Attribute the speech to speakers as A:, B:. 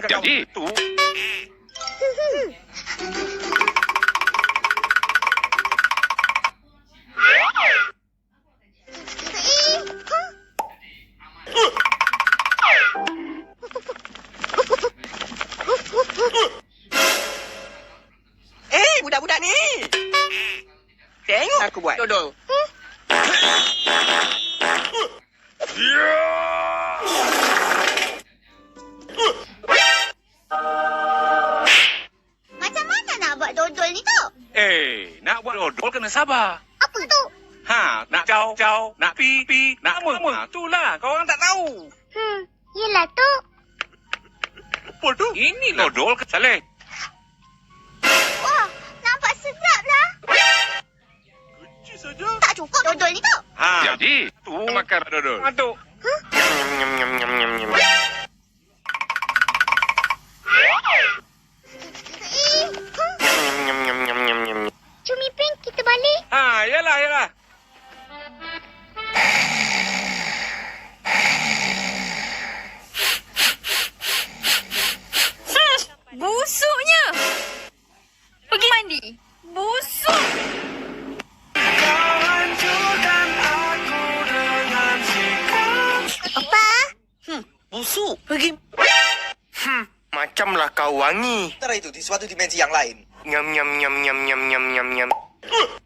A: Jadi tu.
B: Budak-budak ni. Tengok aku buat. Dodol.
C: Macam mana nak buat dodol ni tu?
A: Nak buat dodol kena sabar.
C: Apa tu?
A: Nak caw, nak pi, nak apa. Itulah, kau orang tak tahu.
C: Yelah tu.
A: Apa tu? Ini dodol ke Saleh?
C: Wah, nampak sedap lah.
A: Kecil saja.
C: Tak cukup dodol ni tu.
A: Jadi, tu makan dodol. Aduk.
C: Cumi Pink, kita balik.
A: Yalah.
D: Busuknya. Pergi mandi. Busuk.
C: Apa?
B: Busuk. Pergi.
E: Macamlah kau wangi.
B: Antara itu di suatu dimensi yang lain.
E: Nyam nyam nyam nyam nyam nyam nyam nyam.